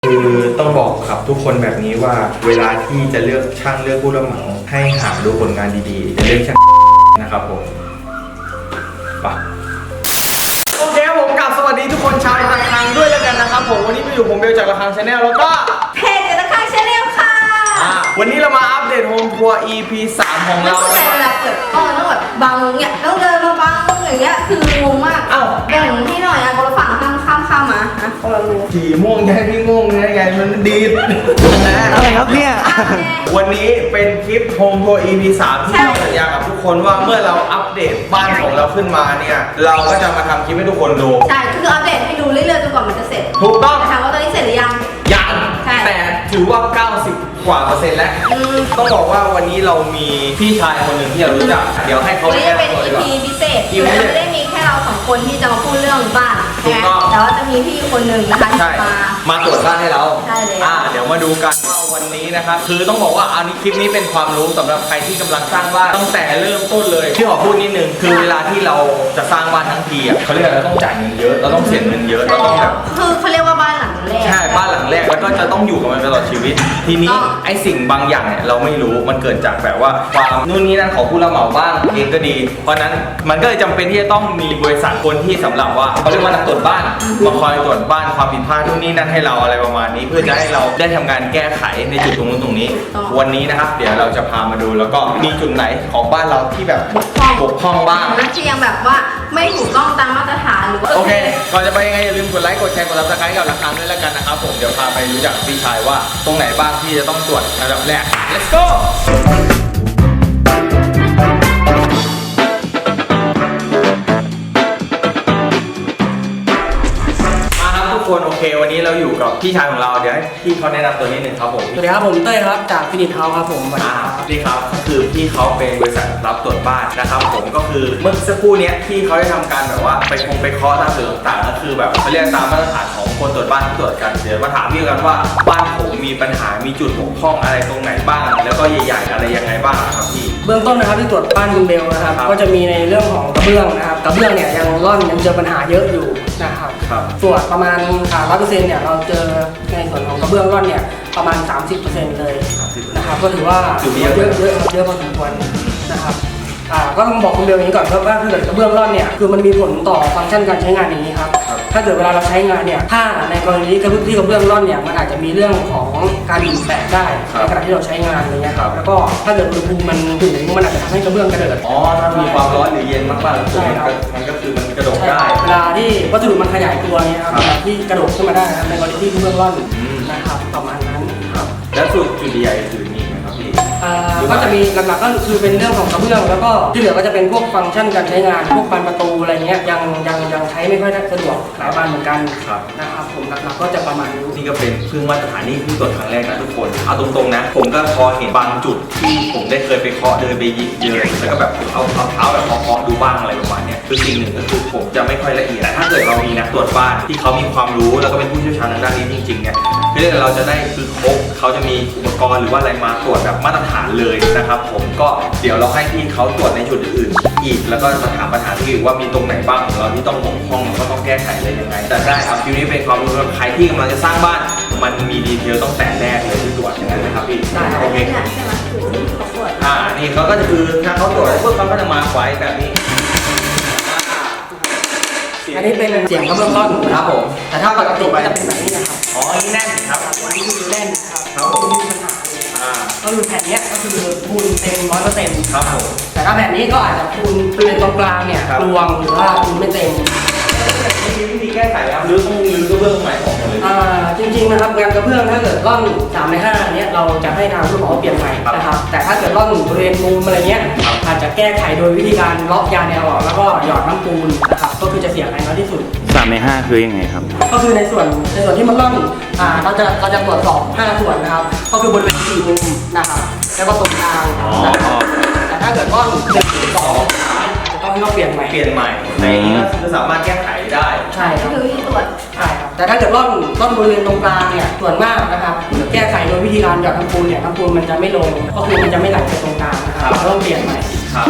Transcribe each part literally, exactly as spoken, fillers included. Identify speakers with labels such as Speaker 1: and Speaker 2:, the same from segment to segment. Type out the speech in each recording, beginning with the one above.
Speaker 1: คือต้องบอกครับทุกคนแบบนี้ว่าเวลาที่จะเลือกช่างเลือกผู้รับเหมาให้หาดูผลงานดีๆจะเลือกช่างนะครับผมไปโอเคครับผมกลับสวัสดีทุกคนชาวระฆังด้วยแล้วกันนะครับผมวันนี้มาอยู่ผมเบลจากระฆังชาแนลแล้วก็
Speaker 2: เพจระฆังชาแนลค่ะ
Speaker 1: วันนี้เรามาอัปเดตโฮมทัวร์ อี พี สามของเรา
Speaker 2: แต่เวลาเกิดอ้อต้องแบบบังเนี่ยต้องเดินมาบังอย่างเงี้ยคืองงมากเอ้าแบ่งให้หน่อยอ่ะคนละฝั่งข้ามข้ามข้ามมาอ่ะคนละรู
Speaker 1: สีม่วงแย่พี่ม่วงเนี่ยไงมันดีด
Speaker 3: อะไรครับเนี่ย
Speaker 1: วันนี้เป็นคลิปโฮมทัวร์ อี พี สามที่เราสัญญากับทุกคนว่าเมื่อเราอัปเดตบ้านของเราขึ้นมาเนี่ยเราก็จะมาทำคลิปให้ทุกคนดู
Speaker 2: ใช่คืออัปเดตให้ดูเรื่อยๆจนกว่ามันจะเสร็จ
Speaker 1: ถูกต้อง
Speaker 2: ถามว่าตอนนี้เสร็จหรือยัง
Speaker 1: ยังแต่ถือว่าเก้าสิบกว่าเปอร์เซ็นต์แล้วต้องบอกว่าวันนี้เรามีพี่ชายคนหนึ่งที่เรารู้จักเดี๋ยวให้เขา
Speaker 2: วันนี้จะเป็น อี พี พิเศษคือจะไม่ได้มีแค่เราสองคนที่จะมาพูดเรื่องบ้านนะแต่ว่าจะมีพี่คนหนึ่งนะคะที่มา
Speaker 1: มาตรวจบ้านให้เรา
Speaker 2: ใช่เลย
Speaker 1: อ่าเดี๋ยวมาดูกันว่าวันนี้นะครับคือต้องบอกว่าอันนี้คลิปนี้เป็นความรู้สำหรับใครที่กำลังสร้างบ้านตั้งแต่เริ่มต้นเลยที่ขอพูดนิดนึงคือเวลาที่เราจะสร้างบ้านทั้งทีอ่ะเขาเรียกอะไรเราต้องจ่ายเงินเยอะเราต้องเสียเงินเยอะเราต้องแบบ
Speaker 2: คือเขาเรียกว่าบ้านหลังแรก
Speaker 1: ใช่บ้านหลังแรกแล้วก็จะต้องอยู่กับมันตลอดชีวิตทีนี้ไอ้สิ่งบางอย่างเนี่ยเราไม่รู้มันเกิดจากแบบว่าความนู่นนี่นั่นของผู้รับเหมาบ้างเองก็ดีเพราะนั้นมันก็เลยจำเป็นที่จะต้องมีบริษัทคนที่สำหรับว่าเขาเรียกว่านักตรวจบ้านมาคอยตรวจบ้านความผิดพลาดนู่นนี่นั่นให้เราอะไรประมาณนี้เพื่อจะให้เราได้ทำการแก้ไขในจุดตรงนู้นตรงนี้วันนี้นะครับเดี๋ยวเราจะพามาดูแล้วก็มีจุดไหนของบ้านเราที่แบบบกพร่องบ้าง
Speaker 2: ที่ยังแบบว่าไม่ถูกต้องตามมาตรฐานหรือว่า
Speaker 1: โอเคก่อนจะไปยังไงอย่าลืมกดไลค์กดแชร์กดซับสไครต์กับระฆังด้วยแล้วกันนะครับผมเดี๋ยวพาไปรู้จักพี่ชายว่าตรงไหนบ้างที่จะต้องตรวจอันดับแรก let's goโอเควันนี้เราอยู่กับพี่ชายของเราเดี๋ยวให้พี่เขาแนะนำตัวนิดนึงครับผม
Speaker 3: สวัสดีครับผมเต้ยครับจากฟินิชเฮาส์ครับผม
Speaker 1: อ่าพี่ครับคือพี่เขาเป็นบริษัทรับตรวจบ้านนะครับผมก็คือเมื่อสักครู่นี้พี่เขาได้ทำการแบบว่าไปคงไปเคาะตามสื่อต่างๆก็คือแบบเขาเรียกตามมาตรฐานของคนตรวจบ้านที่ตรวจกันเดี๋ยวมาถามพี่กันว่าบ้านผมมีปัญหามีจุดบกพร่องอะไรตรงไหนบ้างแล้วก็ใหญ่ๆอะไรยังไงบ้างครับพี่
Speaker 3: เบื้องต้นนะครับที่ตรวจบ้านคุณเบลนะครับก็จะมีในเรื่องของกระเบื้องนะครับกระเบื้องเนี่ยยังร่อนยังเจอปัญหาเยอะอยู่นะครับส่วนประมาณร้อยเปอร์เซ็นต์เนี่ยเราเจอในส่วนของกระเบื้องร่อนเนี่ยประมาณ สามสิบเปอร์เซ็นต์ เลยนะครับก็ถือว่าเยอะเยอะเยอะเยอะพอสมควรนะครับอ่าก็ต้องบอกคุณเบลอย่างนี้ก่อนว่าถ้าเกิดกระเบื้องร่อนเนี่ยคือมันมีผลต่อฟังก์ชันการใช้งานอย่างนี้ครับถ้าเกิดเวลาเราใช้งานเนี่ยถ้าในกรณีที่กระเบื้องร่อนเนี่ยมันอาจจะมีเรื่องของการดิ่งแตกได้ในขณะที่เราใช้งานอะไรเงี้ยแล้วก็ถ้าเกิดอุณหภูมิมันสูงมันอาจจะทำให้กระเบื้องกระเดิด
Speaker 1: อ๋อถ้ามีความร้อนหรือเย็นมากๆมันก็คือมันกระโดดได้
Speaker 3: เวลาที่วัสดุมันขยายตัวเนี่ยครับที่กระโดดขึ้นมาได้ครับในกรณีที่กระเบื้องร่อนนะครับประมาณนั้น
Speaker 1: ครับแล้วจุดจุดใหญ่คือมีไหมครับพี่
Speaker 3: ก็จะมีหลักๆก็คือเป็นเรื่องของกระเบื้องแล้วก็ที่เหลือก็จะเป็นพวกฟังก์ชันการใช้งานพวกบานประตูอะไรเงี้ยยังยังยังใช้ไม่ค่อยสะดวกหลายบานเหมือนกันนะครับผมหลักๆก็จะประมาณนี้
Speaker 1: นี่ก็เป็นเครื่องมาตรฐานนี่เพิ่งตรวจครั้งแรกนะทุกคนเอาตรงๆนะผมก็พอเห็นบางจุดที่ผมได้เคยไปเคาะเดินไปยิงเยอะแล้วก็แบบเอาเอาเท้าแบบเคาะดูบ้างอะไรประมาณนี้คือสิ่งหนึ่งก็คือผมจะไม่ค่อยละเอียดแต่ถ้าเกิดเรามีนักตรวจบ้านที่เขามีความรู้แล้วก็เป็นผู้เชี่ยวชาญทางด้านนี้จริงๆเนี่ยคือเราจะได้คือครบเขาจะมีอุปกรณ์หรือว่าอะไรมาตรวจแบบมาตรฐานเลยนะครับผมก็เดี๋ยวเราให้พี่เขาตรวจในจุดอื่นๆอีกแล้วก็มาถามปัญหาที่อื่นว่ามีตรงไหนบ้างของเราที่ต้องบกพร่องก็ต้องแก้ไขอะไรยังไงแต่ได้ครับคลิปนี้เป็นความรู้สำหรับใครที่กำลังจะสร้างบ้านมันมีดีเทลต้องแต่แรกเลยที่ตรวจอย่างนั้นนะครับพี่
Speaker 2: โอเค
Speaker 1: อ่านี่เขาก็จะคือถ้าเขาตรวจพวกเขาก็จะมาไว้แบบนี้
Speaker 3: อันนี้เป็นเสียงกระเบื้องร่อน
Speaker 1: ครับผม
Speaker 3: แต่ถ้าปกติจะเป็นแบบนี้นะครับ
Speaker 1: อ๋อนี่แน่นครับ
Speaker 3: อันนี้คือแน่นครับครับผมมีปัญหาก็คือแผ่นนี้ก็คือปูนเต็มร้อยเปอร์เซ็นต์
Speaker 1: ครับผม
Speaker 3: แต่ถ้าแผ่นนี้ก็อาจจะปูนปูนตรงกลางเนี่ยรวงหรือว่าปูนไม่เต็ม
Speaker 1: มีวิธีแก้ไขครับหรือต้องรื้อกระเบื้องใหม่ออกเลย
Speaker 3: อ่าจริงๆนะครับงานกระเบื้องถ้าเกิดร่อนสามในห้าเนี้ยเราจะให้ทางผู้รับเหมาเปลี่ยนใหม่นะครับแต่ถ้าเกิดร่อนบริเวณมุมอะไรเงี้ยอาจจะแก้ไขโดยวิธีการล็อกยาแนวออกแล้วก็หยอดน้ำปูนนะครับก็คือจะเสียหายน้อยที่สุด
Speaker 4: สามในห้าคือยังไงครับ
Speaker 3: ก็คือในส่วนในส่วนที่มันร่อนอ่าเราจะเราจะตรวจสอบห้าส่วนนะครับก็คือบริเวณสี่มุมนะครับแล้วก็ตรงกลางนะครับแต่ถ้าเกิดร่อนหนึ่งสองจะต้องให้เราเปลี่ยนใหม่
Speaker 1: เปลี่ยนใหม่ในนี้ก็คือสามารถแก้ไขได้
Speaker 3: ใช่ครับ
Speaker 2: คือตรวจ
Speaker 3: ใช่ครับแต่ถ้าเกิดร่อนร่อนบริเวณตรงกลางเนี่ยส่วนมากนะครับแก้ไขโดยวิธีการหยอดน้ำปูนเนี่ยน้ำปูนมันจะไม่ลงก็คือมันจะไม่ไหลไปตรงกลางนะครับต้องเปลี่ยนใหม่
Speaker 1: ครับ
Speaker 3: นะครับ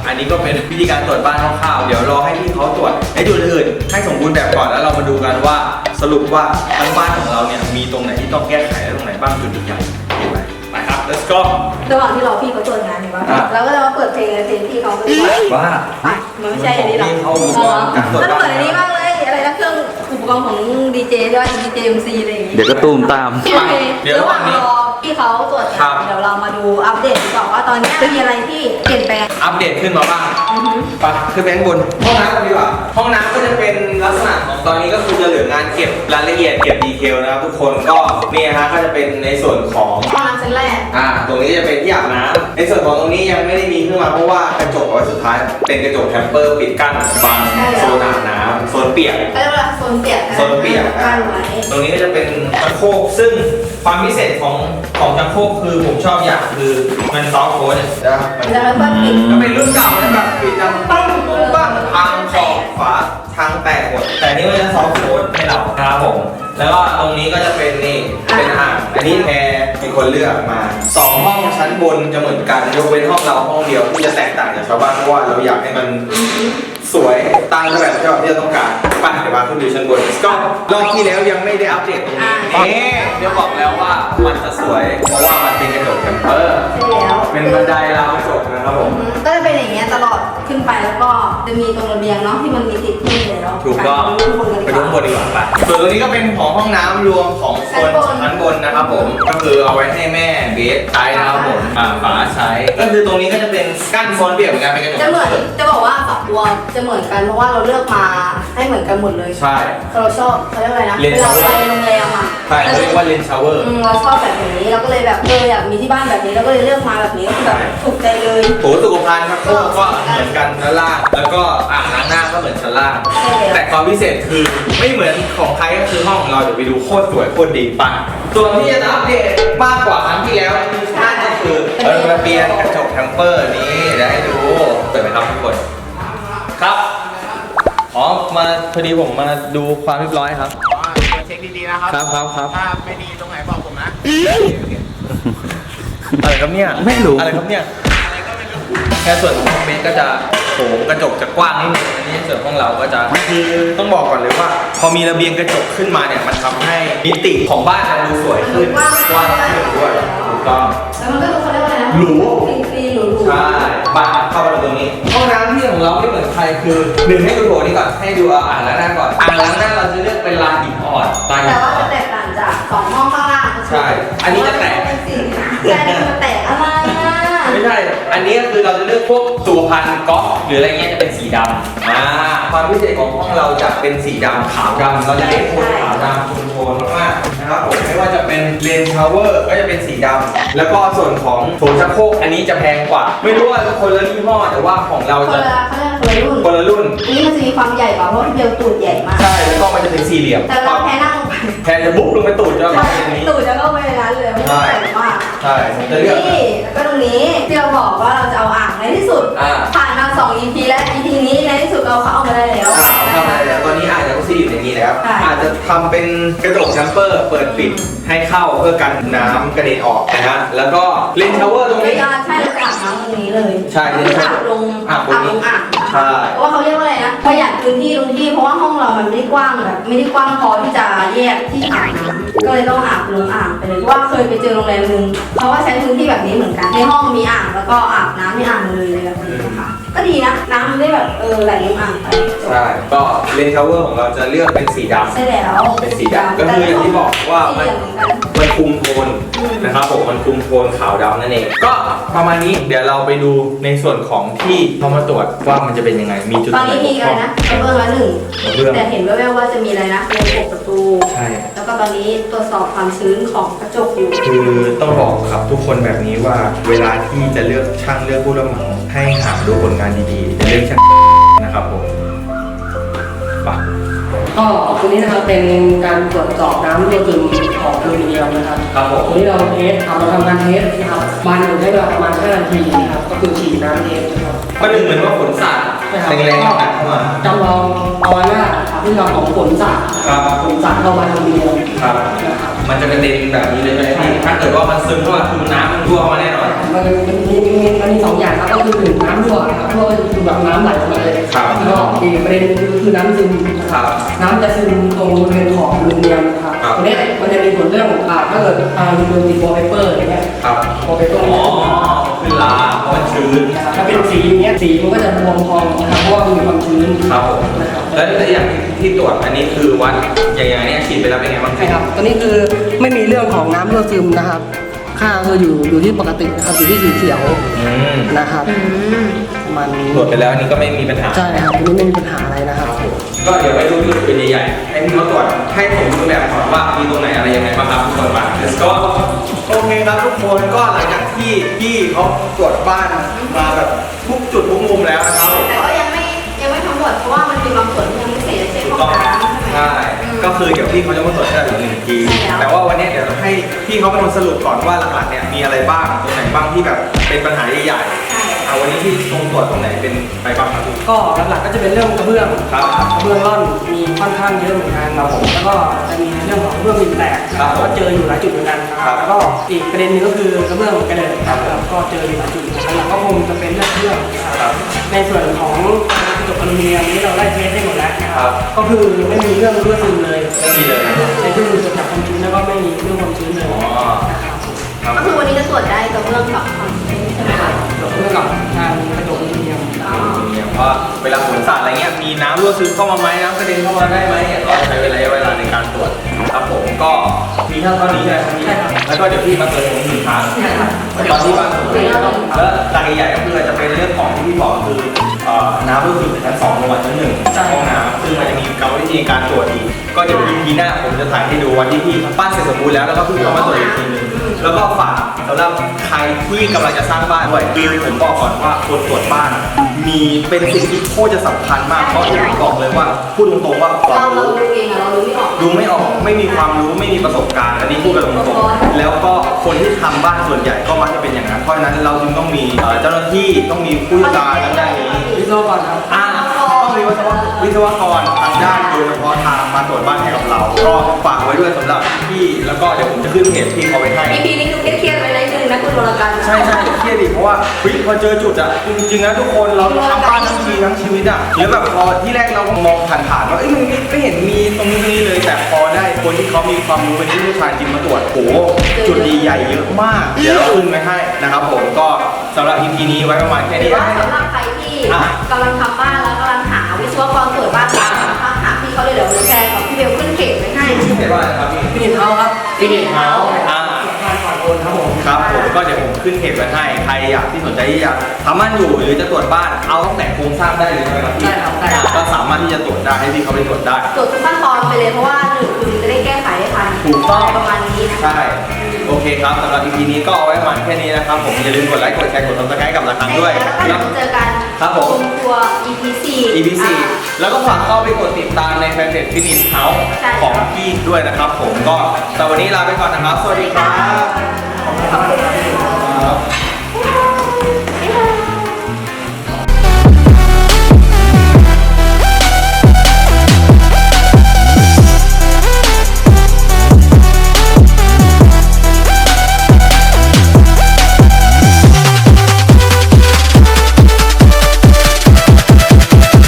Speaker 1: อันนี้ก็เป็นวิธีการตรวจบ้านคร่าวๆเดี๋ยวรอให้พี่เขาตรวจในจุดอื่นให้สมบูรณ์แบบก่อนแล้วเรามาดูกันว่าสรุปว่าทั้งบ้านของเราเนี่ยมีตรงไหนที่ต้องแก้ไขและตรงไหนบ้างจุดใหญ่ๆไปไปครับ let's go
Speaker 2: ระหว่างที่รอพี่เขาตรวจงานอยู่ว่าเราก็จะมาเปิดเพลงเพลงพี่เขาไปด้วย
Speaker 1: ว่า
Speaker 2: มันไม่ใช่อันนี้หรอก
Speaker 1: เขาอุปกรณ์การตรวจ
Speaker 2: มัน
Speaker 1: บ้าน
Speaker 2: เหมือนอันนี้มากเลยอะไรนะเครื่องอุปกรณ์ของดีเจด้วยดีเจเอ็มซีอะไรอย่างงี้
Speaker 4: เดี๋ยวก็ตูมตาม
Speaker 2: โอเคระหว่างรอพี่เขาตรวจงานเดี๋ยวเรามาดูอัปเดตดีกว่าว่าตอนนี้จะมีอะไรที่เปลี่ยนแปลง
Speaker 1: อัปเดตขึ้นมาบ้าง
Speaker 2: อือฮึ
Speaker 1: ไปขึ้นไปข้างบนห้องน้ำกันดีกว่าห้องน้ำก็จะเป็นลักษณะของตอนนี้ก็คือจะเหลืองานเก็บรายละเอียดเก็บดีเทลนะครับทุกคนก็เนี่ยฮะก็จะเป็นในส่วนของ
Speaker 2: ห้องน้ำชั้นแรก
Speaker 1: อ่าตรงนี้จะเป็นที่อาบน้ำในส่วนของตรงนี้ยังไม่ได้มีขึ้นมาเพราะว่ากระจกเอาไว้สุดท้ายเป็นกระจกแทมเปอร์ปิดกั้นบังโซนอาบน้ำโซนเปียก
Speaker 2: เขาเรียกว่าโซนเปียก
Speaker 1: โซนเปียก
Speaker 2: กั้นไว้
Speaker 1: ตรงนี้ก็จะเป็นชักโครกซึ่งความพิเศษของของชักโครกคือผมชอบอย่างคือมันซอฟต์โค้ดนะมัน
Speaker 2: แล้วก็ปิด
Speaker 1: ก็เป็นรุ่นเก่านะแบบปิดดังปั้งปุ้งบ้างพังขอบฝาทางแตกหมดแต่นี่มันจะซอฟต์โค้ดให้เราครับผมแล้วก็ตรงนี้ก็จะเป็นนี่เป็นอ่างอันนี้แพรมีคนเลือกมาสองห้องชั้นบนจะเหมือนกันยกเว้นห้องเราห้องเดียวที่จะแตกต่างจากชาวบ้านเพราะว่าเราอยากให้มันสวยตามแบบที่เราที่เราต้องการไปเดี๋ยวมาขึ้นดูชั้นบนก็รอบที่แล้วยังไม่ได้อัปเดตตรงนี้นี่เดี๋ยวบอกแล้วว่ามันจะสวยเพราะว่ามันเป็นกระจกแคมเปอร์
Speaker 2: ใช่แล้ว
Speaker 1: เป็นบันไดราวกระจกนะครับผม
Speaker 2: ก็จะเป็นอย่างเงี้ยตลอดขึ้นไปแล้วก็จะมีตรงระเบียงเนาะที่มันมีติดขึ้นเลยเนาะ
Speaker 1: ถูกต้อง
Speaker 2: ไปดูข้างบนกัน
Speaker 1: ไป
Speaker 2: ดี
Speaker 1: ดู
Speaker 2: ก
Speaker 1: ข้างบ
Speaker 2: ว่าน
Speaker 1: ดีกว่าไปส่วนตรงนี้ก็เป็นของห้องน้ำรวมของโซน
Speaker 2: ชั้นบน
Speaker 1: ชั้นบนนะครับผมก็คือเอาไว้ให้แม่เบสใช้นะครับผมอ่าฝาใช้ก็คือตรงนี้ก็จะเป็นกั้นโซนเปียกเหมือนกันเป็นกระจก
Speaker 2: จะเหมือนจะบอกว่าสองตัวจะเหมือนกันเพราะว่าเราเลือกมาให้เหมือนกันหมดเลย
Speaker 1: ใช่
Speaker 2: เราชอบเขาเรียกอะไรนะ
Speaker 1: เลน
Speaker 2: เว
Speaker 1: ส์
Speaker 2: ลาไปโรงแรมอ่ะ
Speaker 1: ใช่เขาเรียกว่าเลนชาวเวอร์
Speaker 2: อืมเราชอบแบบนี้เราก็เลยแบบเอออยากมีที่บ้านแบบนี้เราก็เลยเลือกมาแบบนี้ก็คือแบบถูกใจเลย
Speaker 1: โถสุขภัณฑ์ครับก็ก็เหมือนกันชั้นล่างแล้วก็อ่างล้างหน้าก็เหมือนชั้นล่าง
Speaker 2: ใช่แล้ว
Speaker 1: แต่ความพิเศษคือไม่เหมือนของใครก็คือห้องของเราเดี๋ยวไปดูโคตรสวยโคตรดีปังส่วนที่จะอัปเดตมากกว่าครั้งที่แล้วนั่นก็คือเออระเบียงกระจกแทมเปอร์นี้เดี๋ยวให้ดูเปิดไหมครับทุกคนครับอ๋อมาพอดีผมมาดูความเรียบร้อยครับ
Speaker 5: อ๋อเช็คดีๆนะครับ
Speaker 1: ครับครับครับ
Speaker 5: ถ้าไม่ดีตรงไหนบอกผมนะ
Speaker 1: อะไรครับเนี่ย
Speaker 4: ไม่รู้
Speaker 1: อะไรครับเนี่ยแค่ส่วนของเบนก็จะโถกระจกจะกว้างนิดนึงอันนี้ส่วนของเราก็จะคือต้องบอกก่อนเลยว่า พอมีระเบียงกระจกขึ้นมาเนี่ยมันทำให้มิติของบ้านมันดูสวยขึ้นกว้างขึ้นด้วยถูกต้อง
Speaker 2: แล้วมันก็ดูเขาเรียกว่าอะไรนะ
Speaker 1: หรู
Speaker 2: คลีนๆหรูๆ
Speaker 1: ใช่บ้านเข้ามาตรงนี้ห้องน้ำที่ของเราไม่เหมือนใครคือหนึ่งให้ดูโถนี่ก่อนให้ดูอ่างล้างหน้าก่อนอ่างล้างหน้าเราจะเลือกเป็นลายหินอ่อนลายหิ
Speaker 2: แต่
Speaker 1: น
Speaker 2: ว่า
Speaker 1: อ่อ
Speaker 2: จะ
Speaker 1: น
Speaker 2: แตกต่างจากสองห้องข้างล่าง
Speaker 1: ใช่อันนี้จะแตก
Speaker 2: ใช่มันจะแตกอะไรอ่ะ
Speaker 1: ไม่ใช่ อันนี้ก็คือเราจะเลือกพวกตัวพันก๊อฟหรืออะไรเงี้ยจะเป็นสีดำอ่าความพิเศษของห้องเราจะเป็นสีดำขาวดำเราจะเน้นโทนขาวดำโทนๆมากๆนะครับผมไม่ว่าจะเป็นเลนชาวเวอร์ก็จะเป็นสีดำแล้วก็ส่วนของโถชักโครกอันนี้จะแพงกว่า ไม่รู้ว่าคนละยี่ห้อแต่ว่าของเรา
Speaker 2: คน
Speaker 1: จะ
Speaker 2: ละเขาเรียกว่าคนละรุ่น
Speaker 1: คนละรุ่น
Speaker 2: อันนี้มันจะมีความใหญ่กว่าเพราะว่าเบลตูดใหญ่มาก
Speaker 1: ใช่แล้วก็มันจะเป็นสี่เหลี่ยม
Speaker 2: แต่เราแพ้นั่งลงไป
Speaker 1: แทนจะบุ๊บลงไปตูดจะแบบนี้
Speaker 2: ตูดจะเข้าไปในนั้นเลยไม่ต้องใส่มาก
Speaker 1: ใช่จะเลือก
Speaker 2: นี่แล้วก็ตรงนี้ที่เราบอกว่าเราจะเอาอ่างในที่สุด
Speaker 1: อ่า
Speaker 2: ผ่านมาสอง อี พี แล้ว อี พี นี้ในที่สุดเราเข้ามาได้แล้ว
Speaker 1: อ่าทำอะไรแล้วตอนนี้อาจจะก็ซีอยู่ในนี้แล้ว
Speaker 2: ใช่
Speaker 1: อาจจะทำเป็นกระจกแชมเปอร์เปิดปิดให้เข้าเพื่อกันน้ำกระเด็นออกนะฮะแล้วก็เลนชาวเวอร์ตรง
Speaker 2: ไม่
Speaker 1: นี้
Speaker 2: ได้ใช่เราจะอาบน้ำตรงนี้เลย
Speaker 1: ใช่
Speaker 2: คืออาบลง
Speaker 1: อา
Speaker 2: อา
Speaker 1: บบ นนี้
Speaker 2: ลงอ่าง
Speaker 1: ใช่
Speaker 2: เพราะว่าเขาเรียกว่าอะไรนะประหยัดพื้นที่ตรงที่เพราะว่าห้องเรามันไม่ได้กว้างแบบไม่ได้กว้างพอที่จะแยกที่อาบน้ำก็เลยต้องอาบลงอ่างไปเลยเพราะว่าเคยไปเจอโรงแรมนึงเขาก็ใช้พื้นที่แบบนี้เหมือนกันในห้องมีอ่างแล้วก็อาบน้ำในอ่างเลยเลยแบบนี้นะคะก็ดีนะน้ำมันได้แบบเออไหลลงอ่างไป
Speaker 1: ใช่ก็เลนชาวเวอร์ของเราจะเลือกเป็นสีดำ
Speaker 2: ใช่แล้ว
Speaker 1: เป็นสีดำก็คืออย่างที่บอกว่ามัน
Speaker 2: สีเหลืองเหมือนกัน
Speaker 1: มันคุมโทนนะครับผมมันคุมโทนขาวดำนั่นเองก็ประมาณนี้เดี๋ยวเราไปดูในส่วนของที่เขามาตรวจว่ามันจะเป็นยังไงมีจุด
Speaker 2: ตอนนี้มีอะไรนะกระเบื้องละหนึ่ง
Speaker 1: กระเบื้อง
Speaker 2: แต่เห็นแว่วๆว่าจะมีอะไรนะเป็นปกประตู
Speaker 1: ใช่
Speaker 2: แล้วก็ตอนนี้ตรวจสอบความชื้นของกระจกอยู่
Speaker 1: คือต้องบอกครับทุกคนแบบนี้ว่าเวลาที่จะเลือกช่างเลือกผู้รับเหมาให้หาดูผลงานดีๆจะเลือกช่างนะครับผมไป
Speaker 3: ก็ตัวนี้นะครับเป็นการตรวจสอบน้ำตัวซึมของอลูมิเนียมนะครับ
Speaker 1: ครับผม
Speaker 3: ตัวนี้เราเทสทำเราทำการเทสนะครับบานหนึ่งใช้เวลาประมาณห้านาทีนะครับก็คือฉีดน้ำเทสนะครับ
Speaker 1: ประหนึ่งเหมือนว่าฝนสาด
Speaker 3: ครับ
Speaker 1: แรงๆหนักเข้ามา
Speaker 3: จำลองเอาไว้ว่าพฤติกรรมของฝนสาด
Speaker 1: ครับ
Speaker 3: ฝนสาดเข้ามาทางเดียว
Speaker 1: ครับ
Speaker 3: นะครับ
Speaker 1: มันจะกระเด็นแบบนี้เลยไหมพี่ถ้าเกิดว่ามันซึมเข้ามาคือน้ำมันรั่วมาแน่นอน
Speaker 3: มันมันมีมีมันมีสองอย่างครับก็คือหนึ่งน้ำรั่วนะครับรั่วก็คือแบบน้ำไหลออกมาเลย
Speaker 1: ครับ
Speaker 3: แล้วก็อีกประเด็นหนึงคือน้ำซึมนะค
Speaker 1: ครั
Speaker 3: รับบ น้ำจะซึมตรงบริเวณขอบอลูมิเนียมนะครับ
Speaker 1: ครับ
Speaker 3: ตรงเนี้ยมันจะมีผลเรื่องอ่าถ้าเกิดอ่ามีโดนติดวอลเปเปอร์อย่างเงี้ย
Speaker 1: ครับ
Speaker 3: วอลเปเปอร์
Speaker 1: อ๋อคือลาเพราะมันชื้น
Speaker 3: ถ้าเป็นสีอย่างเงี้ยสีมันก็จะบวมพองนะครับเพราะว่ามันมีความชื้น
Speaker 1: ครับผม
Speaker 3: นะครับ
Speaker 1: แล้วแล้วอย่างที่ตรวจอันนี้คือวัดอย่างอย่างเนี้ยฉีดไปแล้วเป็นไงบ้าง
Speaker 3: ใช่ครับตัวนี้คือไม่มีเรื่องของน้ำรั่วซึมนะครับ ค่าคืออยู่อยู่ที่ปกตินะครับอยู่ที่สีเขียว
Speaker 1: อืม
Speaker 3: นะครับ
Speaker 2: อืม
Speaker 3: ประมาณนี้
Speaker 1: ตรวจไปแล้วอันนี้ก็ไม่มีปัญหา
Speaker 3: ใช่ครับตัวนี้ไม่มีปัญหาอะไรนะครับ
Speaker 1: ก็เดี๋ยวไปดูจุดเป็นใหญ่ๆให้พี่เขาตรวจให้ผมดูแบบก่อนว่ามีตรงไหนอะไรยังไงบ้างครับทุกคนมา let's go โอเคครับทุกคนก็หลังจากที่พี่เขาตรวจบ้านมาแบบทุกจุดทุกมุมแล้วนะครับ
Speaker 2: แต่ก็ยังไม่ยังไม่ทั้งหมดเพราะว่ามันมีบางส่วนที่ยังไม่เสร็จเช่นห้อง
Speaker 1: ต้อง
Speaker 2: น้ำใช่ไหม
Speaker 1: ใช่ก็คือเดี๋ยวพี่เขาจะมาตรวจแค่หนึ่งที
Speaker 2: ใช่แล้ว
Speaker 1: แต่ว่าวันนี้เดี๋ยวให้พี่เขาเป็นคนสรุปก่อนว่าหลักๆเนี่ยมีอะไรบ้างตรงไหนบ้างที่แบบเป็นปัญหาใหญ่ๆเอาวันนี้ที่ตรงตรวจตรงไหนเป็นไปบ้างครับพี่
Speaker 3: ก็หลักๆก็จะเป็นเรื่องกระเบื้อง
Speaker 1: ครับ
Speaker 3: กระเบื้องร่อนมีค่อนข้างเยอะเหมือนกันครับผมแล้วก็จะมีเรื่องของกระเบื้องดินแตก
Speaker 1: ครับผม
Speaker 3: ก็เจออยู่หลายจุดเหมือนกันนะค
Speaker 1: ครั
Speaker 3: รับบ แล้วก็อีกประเด็นหนึงก็คือกระเบื้องกระเด็นครับก็เจออยู่หลายจุดเหมือนกันหลักๆก็คงจะเป็นเรื่องเครื่องนะครับในส่วนของกระจกอลูมิเนียมนี้เราได้เทสให้หมดแล้วนะค
Speaker 1: ครั
Speaker 3: รับบ ก็คือไม่มีเรื่องรั่วซึมเลย
Speaker 1: ไม่มีเลย
Speaker 3: ในที่มือตรวจจับความชื้นแล้วก็ไม่มีเรื่องความชื้นเลย
Speaker 1: อ๋อ
Speaker 3: นะครับ
Speaker 1: ครับ
Speaker 2: ก็คือวันนี้จะตรวจได้กับเรื่องกับความชื้นใช่ไหมคะ
Speaker 3: เรื่องกับทางกระจกอลูมิเนียม
Speaker 2: อ๋อ
Speaker 1: เนี่ยว่าเวลาฝนสาดอะไรเงี้ยมีน้ำรั่วซึมเข้ามาไหมน้ำกระเด็นเข้ามาได้ไหมเนี่ยก็ใช้เวลาเวลาในการตรวจครับผมก็มีเท่านี้ใช่ไหมครับพี่
Speaker 3: ใช่ครับ
Speaker 1: แล้วก็เดี๋ยวพี่มาเติมผมหนึ่งครั้ง
Speaker 3: ใช่ครับ
Speaker 1: ตอนที่ว่าแล้วหลักใหญ่ๆก็คือจะเป็นเรื่องของที่พี่บอกคือเอ่อน้ำรั่วซึมจากชั้นสองลงมาชั้นหนึ่งจากห้องน้ำซึ่งมันจะมีกรรมวิธีการตรวจอีกก็เดี๋ยว อี พี หน้าผมจะถ่ายให้ดูวันที่พี่ปั้นเสร็จสมบูรณ์แล้วแล้วก็พี่เขามาตรวจอีกทีหนึงแล้วก็ฝากสำหรับใครที่กำลังจะสร้างบ้านด้วยคือผมบอกก่อนว่าคนตรวจบ้าน มีเป็นสิ่งที่โคตรจะสำคัญมากเพราะที่ผมบอกเลยว่าพูดตรงๆว่าควา
Speaker 2: เรา
Speaker 1: ม
Speaker 2: เรา
Speaker 1: รู้
Speaker 2: ดูเองอะเราดูไม่ออก
Speaker 1: ดูไม่ออกไม่มีความรู้ไม่มีประสบการณ์ อันนี้พูดกันตรงๆแล้วก็คนที่ทำบ้านส่วนใหญ่ก็มักจะเป็นอย่างนั้นเพราะฉะนั้นเราจึงต้องมีเอ่อเจ้าหน้าที่ต้องมีผู้เชี่ยวชาญทางด้านนี้
Speaker 3: วิศวกรครับ
Speaker 1: อ่าต้องมีวิศวะวิศวกรทางด้านโดยเฉพาะทางมาตรวจบ้านให้กับเรา ก็ฝากไว้ด้วยสำหรับพี่แล้วก็เดี๋ยวผมจะขึ้นเพจพี่เขาไว้ให้
Speaker 2: อีพีนี้คือเครียดๆไปนิดนึงนะคุณวรกัน
Speaker 1: ใช่ใช่เครียดดิเพราะว่าเฮ้ยพอเจอจุดอะจริงๆนะทุกคนเราทำบ้านทั้งทีทั้งชีวิตอะแล้วแบบพอที่แรกเรามองผ่านๆว่าเอ้ยมันไม่ไม่เห็นมีตรงนี้ตรงนี้เลย แต่พอได้คนที่เขามีความรู้เป็นผู้เชี่ยวชาญจริงมาตรวจโอ้โหจุดดีใหญ่เยอะมาก เดี๋ยวเราขึ้นไว้ให้นะครับผมก็สำหรับ อี พี นี้ไว้ประมาณแค่
Speaker 2: หรื
Speaker 1: นี้
Speaker 2: อว่าสำหรับใครที่กำลังทำบ้านแล้วกำลังหาวิศวกรตรวจบ้านอยู่นะคะหาพี่เขาเลยเดี๋ยวแชร์กับพี่เบลขึ้นเพจไว้ให้
Speaker 1: ชื่อเพจว่าอะไรครับพี่
Speaker 3: ฟินิชเฮาส์ครับ
Speaker 2: Finish House
Speaker 1: อ่า
Speaker 3: ผ่านก่อนโอนครับผม
Speaker 1: ครับผมก็เดี๋ยวผมขึ้นเพจไว้ให้ใครอยากที่สนใจที่จะทำบ้านอยู่หรือจะตรวจบ้านเอาตั้งแต่โครงสร้างได้เลยใช่ไหมครับพี่
Speaker 3: ได้ครับได้ครับ
Speaker 1: ก็สามารถที่จะตรวจได้ให้พี่เขาไปตรวจได้
Speaker 2: ตรวจทุกขั้นตอนไปเลยเพราะว่าหนึ่งคือจะได้แก้ไขให้ทัน
Speaker 1: ถูกต้อง
Speaker 2: ประมาณนี้นะคะ
Speaker 1: ใช่ โอเคครับสำหรับ อี พี นี้ก็เอาไว้ประมาณแค่นี้นะครับผมอย่าลืมกดไลค์กดแชร์กด ซับสไครบ์ กับละครั้งด้วย
Speaker 2: แล้วก็เดี๋ยวเจอกัน
Speaker 1: ครับผม
Speaker 2: ณครัว อี พี สี่
Speaker 1: อี พี สี่ แล้วก็ฝากเข้าไปกดติดตามในแฟนเพจ Finish House
Speaker 2: ใช่
Speaker 1: ของพี่ด้วยนะครับผมก็แต่วันนี้ลาไปก่อนนะครับ สวัสดีครับ
Speaker 2: ขอบคุณค่ะ
Speaker 1: ครับ